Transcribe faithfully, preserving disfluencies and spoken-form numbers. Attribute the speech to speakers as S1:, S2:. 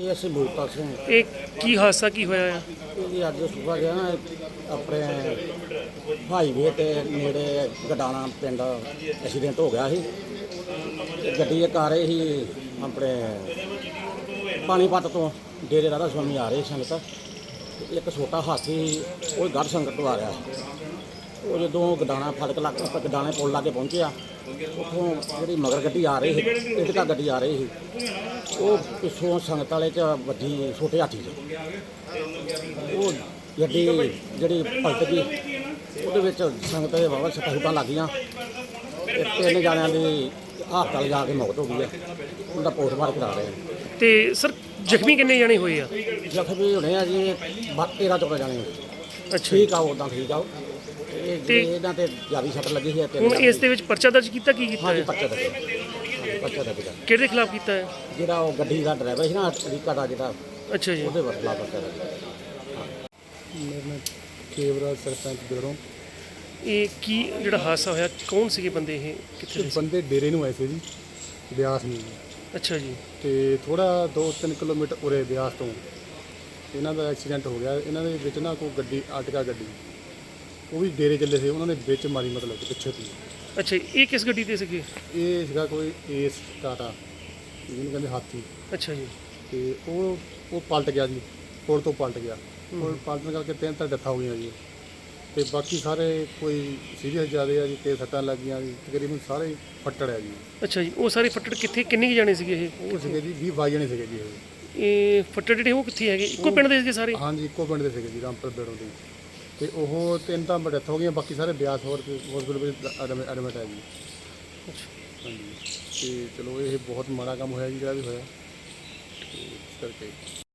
S1: ਇਹ ਅਸੀਂ ਬੂਟਾ ਸਿੰਘ
S2: ਇਹ ਕੀ ਹਾਦਸਾ ਕੀ ਹੋਇਆ ਆ?
S1: ਇਹ ਅੱਜ ਸੁਬਾ ਗਿਆ ਨਾ ਆਪਣੇ ਹਾਈਵੇ ਤੇ ਨੇੜੇ ਗਡਾਣਾ ਪਿੰਡ ਐਕਸੀਡੈਂਟ ਹੋ ਗਿਆ ਸੀ। ਤੇ ਗੱਡੀ ਇੱਕ ਆ ਰਹੀ ਸੀ ਆਪਣੇ ਪਾਣੀਪਤ ਤੋਂ ਡੇਰੇ ਰਾਧਾ ਸੁਆਮੀ ਆ ਰਹੇ ਸੰਗਤ। ਤੇ ਇੱਕ ਛੋਟਾ ਹਾਥੀ ਉਹ ਗੜ ਸੰਗਤ ਤੋਂ ਆ ਰਿਹਾ ਸੀ। ਉਹ ਜਦੋਂ ਗਡਾਣਾ ਫੜਕ ਲੱਗ ਗਡਾਣੇ ਪੁਲ ਲਾਗੇ ਪਹੁੰਚਿਆ, ਉੱਥੋਂ ਜਿਹੜੀ ਮਗਰ ਗੱਡੀ ਆ ਰਹੀ ਸੀ ਇਟਕਾ ਗੱਡੀ ਆ ਰਹੀ ਸੀ, ਉਹ ਪਿੱਛੋਂ ਸੰਗਤ ਵਾਲੇ 'ਚ ਵੱਡੀ ਛੋਟੇ ਹਾਥੀ 'ਚ ਉਹ ਗੱਡੀ ਜਿਹੜੀ ਪਲਟ ਗਈ। ਉਹਦੇ ਵਿੱਚ ਸੰਗਤ ਦੇ ਵਾਵਾ ਸੱਟਾਂ ਸੁੱਟਾਂ ਲੱਗ ਗਈਆਂ। ਤੇ ਤਿੰਨ ਜਣਿਆਂ ਦੀ ਹਸਪਤਾਲ ਜਾ ਕੇ ਮੌਤ ਹੋ ਗਈ ਹੈ। ਉਹਦਾ ਪੋਸਟਮਾਰਟਮ ਕਰਾ ਰਹੇ ਆ।
S2: ਤੇ ਸਰ ਜ਼ਖਮੀ ਕਿੰਨੇ ਜਾਣੇ ਹੋਏ ਆ?
S1: ਜ਼ਖਮੀ ਹੋਣੇ ਆ ਜੀ ਤੇਰਾਂ ਚੌਦਾਂ ਜਾਣੇ।
S2: ਅੱਛਾ,
S1: ਠੀਕ ਆ, ਉੱਦਾਂ ਠੀਕ ਆ। ਇਹ ਜਿਹੜੇ ਇਹਨਾਂ ਤੇ ਜ਼ਿਆਦਾ ਸੱਟ ਲੱਗੀ ਸੀ।
S2: ਹੁਣ ਇਸ ਦੇ ਵਿੱਚ ਪਰਚਾ ਦਰਜ ਕੀਤਾ ਕੀ ਕੀਤਾ
S1: ਹਾਂਜੀ
S2: ਹੈ?
S1: ਪਰਚਾ ਦਰਜ ਪਰਚਾ ਦਰਜ ਕਰ
S2: ਕਿਹਦੇ ਖਿਲਾਫ ਕੀਤਾ ਹੈ?
S1: ਜਿਹੜਾ ਉਹ ਗੱਡੀ ਦਾ ਡਰਾਈਵਰ ਸੀ ਨਾ ਅਮਰੀਕਾ ਦਾ ਜਿਹੜਾ,
S2: ਅੱਛਾ ਜੀ।
S1: ਉਹਦੇ ਵਰਤਲਾ ਪਰਚਾ ਦਰਜ।
S3: ਮੇਰੇ ਨਾਲ ਖੇਵਰਾ ਸਰਪੰਚ ਬਿਰੋਂ
S2: ਇਹ ਕੀ ਜਿਹੜਾ ਹਾਦਸਾ ਹੋਇਆ, ਕੌਣ ਸੀਗੇ ਬੰਦੇ ਇਹ, ਕਿੱਥੇ ਦੇ ਸੀ?
S3: ਬੰਦੇ ਡੇਰੇ ਨੂੰ ਆਏ ਸੀ ਜੀ, ਬਿਆਸ ਨੂੰ।
S2: ਅੱਛਾ ਜੀ।
S3: ਤੇ ਥੋੜਾ ਦੋ ਤਿੰਨ ਕਿਲੋਮੀਟਰ ਉਰੇ ਬਿਆਸ ਤੋਂ ਇਹਨਾਂ ਦਾ ਐਕਸੀਡੈਂਟ ਹੋ ਗਿਆ। ਇਹਨਾਂ ਦੇ ਵਿੱਚ ਨਾ ਕੋਈ ਗੱਡੀ ਆਟਕਾ ਗੱਡੀ, ਉਹ ਵੀ ਡੇਰੇ ਚੱਲੇ ਸੀ, ਉਹਨਾਂ ਨੇ ਵਿੱਚ ਮਾਰੀ, ਮਤਲਬ ਕਿ ਪਿੱਛੇ ਤੋਂ।
S2: ਅੱਛਾ ਜੀ, ਇਹ ਕਿਸ ਗੱਡੀ ਤੇ ਸੀਗੇ?
S3: ਇਹ ਸੀਗਾ ਕੋਈ ਏਸ ਟਾਟਾ, ਜਿਹਨੂੰ ਕਹਿੰਦੇ ਹਾਥੀ।
S2: ਅੱਛਾ ਜੀ।
S3: ਤੇ ਉਹ ਉਹ ਪਲਟ ਗਿਆ ਜੀ, ਪੁਲ ਤੋਂ ਪਲਟ ਗਿਆ। ਪੁਲ ਪਲਟਣ ਕਰਕੇ ਤਿੰਨ ਤਾਂ ਡੈਥਾਂ ਹੋ ਗਈਆਂ ਜੀ। ਤੇ ਬਾਕੀ ਸਾਰੇ ਕੋਈ ਸੀਰੀਅਸ ਜ਼ਿਆਦਾ ਆ ਜੀ, ਤੇ ਸੱਟਾਂ ਲੱਗੀਆਂ ਜੀ, ਤਕਰੀਬਨ ਸਾਰੇ ਫੱਟੜ ਆ ਜੀ।
S2: ਅੱਛਾ ਜੀ, ਉਹ ਸਾਰੇ ਫੱਟੜ ਕਿੱਥੇ, ਕਿੰਨੇ ਕੁ ਜਾਣੇ ਸੀਗੇ ਇਹ?
S3: ਉਹ ਸੀਗੇ ਜੀ ਵੀਹ ਬਾਈ ਜਣੇ ਸੀਗੇ ਜੀ ਇਹ।
S2: ਇਹ ਫੱਟੜ ਜਿਹੜੇ ਉਹ ਕਿੱਥੇ ਹੈਗੇ, ਇੱਕੋ ਪਿੰਡ ਦੇ ਸੀਗੇ ਸਾਰੇ?
S3: ਹਾਂਜੀ, ਇੱਕੋ ਪਿੰਡ ਦੇ ਸੀਗੇ ਜੀ, ਰਾਮਪੁਰ ਬੇੜੋਂ ਦੇ। ਤੇ ਉਹ ਤਿੰਨ ਤਾਂ ਡੈਥ ਹੋ ਗਈਆਂ, ਬਾਕੀ ਸਾਰੇ ਬਿਆਸ ਹੋਰ ਹਸਪੀਟਲ ਵਿੱਚ ਐਡਮਿਟ ਹੈ ਜੀ।
S2: ਅੱਛਾ।
S3: ਹਾਂਜੀ, ਤੇ ਚਲੋ ਇਹ ਬਹੁਤ ਮਾੜਾ ਕੰਮ ਹੋਇਆ ਜੀ, ਜਿਹੜਾ ਵੀ ਹੋਇਆ। ਤੇ ਇਸ ਕਰਕੇ